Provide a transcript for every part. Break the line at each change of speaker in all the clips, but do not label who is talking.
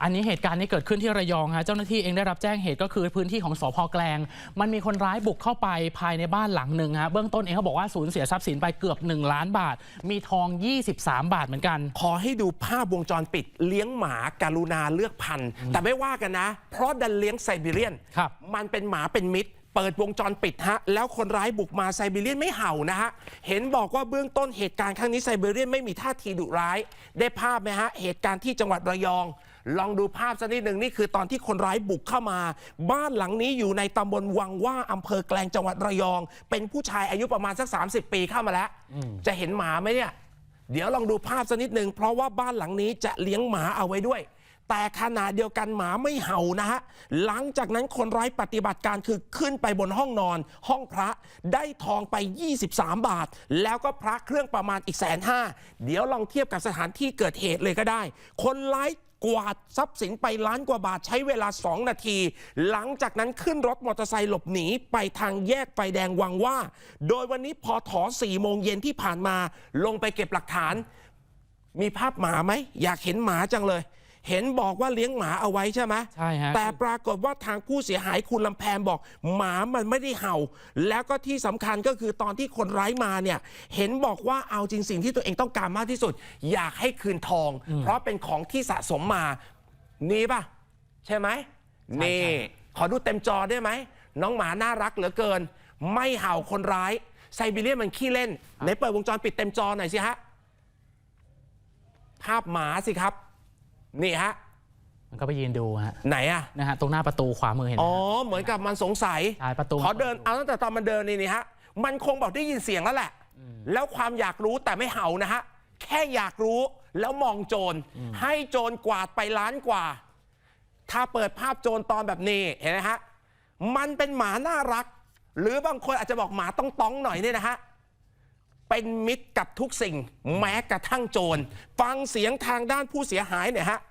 อันนี้เหตุการณ์นี้เกิดขึ้นที่ระยองฮะเจ้าหน้าที่เองได้รับแจ้งเหตุก็คือพื้นที่ของสภ.แกลงมันมีคนร้ายบุกเข้าไปภายในบ้านหลังหนึ่งฮะเบื้องต้นเองเขาบอกว่าสูญเสียทรัพย์สินไปเกือบ1 ล้านบาทมีทอง23 บาทเหมือนกัน
ขอให้ดูภาพวงจรปิดเลี้ยงหมาการุณาเลือกพันธุ์แต่ไม่ว่ากันนะเพราะดันเลี้ยงไซบีเรียนมันเป็นหมาเป็นมิตรเปิดวงจรปิดฮะแล้วคนร้ายบุกมาไซบีเรียนไม่เห่านะฮะเห็นบอกว่าเบื้องต้นเหตุการณ์ครั้งนี้ไซบีเรียนไม่มีท่าทีดุร้ายได้ภาพไหมฮะเหตุการณ์ที่จังหวัดระยองลองดูภาพสักนิดหนึ่งนี่คือตอนที่คนร้ายบุกเข้ามาบ้านหลังนี้อยู่ในตำบลวังว่าอำเภอแกลงจังหวัดระยองเป็นผู้ชายอายุประมาณสัก30 ปีเข้ามาแล้วจะเห็นหมาไหมเนี่ยเดี๋ยวลองดูภาพสักนิดหนึ่งเพราะว่าบ้านหลังนี้จะเลี้ยงหมาเอาไว้ด้วยแต่ขณะเดียวกันหมาไม่เห่านะฮะหลังจากนั้นคนร้ายปฏิบัติการคือขึ้นไปบนห้องนอนห้องพระได้ทองไป23 บาทแล้วก็พระเครื่องประมาณอีก150,000เดี๋ยวลองเทียบกับสถานที่เกิดเหตุเลยก็ได้คนร้ายกวาดทรัพย์สินไป1 ล้านกว่าบาทใช้เวลา2 นาทีหลังจากนั้นขึ้นรถมอเตอร์ไซค์หลบหนีไปทางแยกไฟแดงวังว่าโดยวันนี้พอถอ4 โมงเย็นที่ผ่านมาลงไปเก็บหลักฐานมีภาพหมาไหมอยากเห็นหมาจังเลยเห็นบอกว่าเลี้ยงหมาเอาไว้ใช่ไหม
ใช่ฮะ
แต่ปรากฏว่าทางผู้เสียหายคุณลำแพนบอกหมามันไม่ได้เห่าแล้วก็ที่สำคัญก็คือตอนที่คนร้ายมาเนี่ยเห็นบอกว่าเอาจริงสิ่งที่ตัวเองต้องการมากที่สุดอยากให้คืนทองเพราะเป็นของที่สะสมมานี่ป่ะใช่ไหมนี่ขอดูเต็มจอได้ไหมน้องหมาน่ารักเหลือเกินไม่เห่าคนร้ายไซบีเรียนมันขี้เล่นไหนเปิดวงจรปิดเต็มจอหน่อยสิฮะภาพหมาสิครับนี่ฮะ
มันก็ไปยืนดูฮะ
ไหนอะ
นะฮะตรงหน้าประตูขวามือเห็น
อ๋อเหมือนกับมันสงสัย
ใช่ประตู
ขอเดินเอาตั้งแต่ตอนมันเดินนี่ฮะมันคงบอกได้ยินเสียงแล้วแหละแล้วความอยากรู้แต่ไม่เห่านะฮะแค่อยากรู้แล้วมองโจรให้โจรกวาดไป1 ล้านกว่าถ้าเปิดภาพโจรตอนแบบนี้เห็นไหมฮะมันเป็นหมาน่ารักหรือบางคนอาจจะบอกหมาต้องหน่อยเนี่ยนะฮะเป็นมิตรกับทุกสิ่งแม้กระทั่งโจรฟังเสียงทางด้านผู้เสียหายเนี่ยฮะ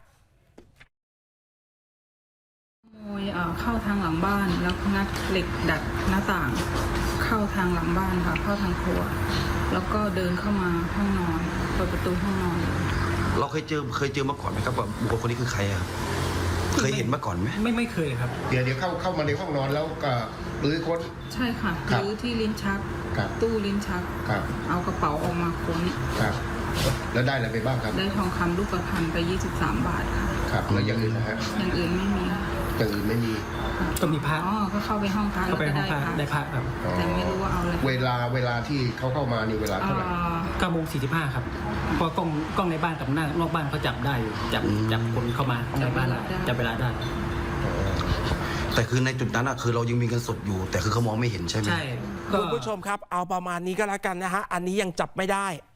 ขโมยเข้าทางหลังบ้านแล้วงัดเหล็กดัดหน้าต่างเข้าทางหลังบ้านค่ะเข้าทางครัวแล้วก็เดินเข้ามาห้องนอนเปิดประตูห้องนอน
เราเคยเจอมาก่อนไหมครับว่าบุคคลคนนี้คือใครครับเคยเห็นมาก่อนไหม
ไม่เคยครับ
เดี๋ยวเข้ามาในห้องนอนแล้วก็รื้อค้น
ใช่ค่ะรื้อที่ลิ้นชักตู้ลิ้นชักเอากระเป๋าออกมาค้น
ครับแล้วได้อะไรไปบ้างครับ
ได้ทองคำรูปพรรณไป23 บาทค่ะ
ครับแล้วอย่างอื่นนะฮะ
อย่างอื่นไม่มี
อย่างอื่นไม่มี
ก็มีพระ
ก็เข้าไปห้องพระ
เข้าไปห้องพระได้พระครับ
แต่ไม่รู้ว่าเอาอะไร
เวลาที่เขาเข้ามานี่เวลาเท่าไหร่
9:45ครับเพราะกล้องในบ้านกับนอกบ้านเขาจับได้อยู่จับคนเข้ามาในบ้านจับเวลาได้
แต่คือในจุดนั้นคือเรายังมีเงินสดอยู่แต่คือเขามองไม่เห็นใช่ไหม
ใช่
คุณผู้ชมครับเอาประมาณนี้ก็แล้วกันนะฮะอันนี้ยังจับไม่ได้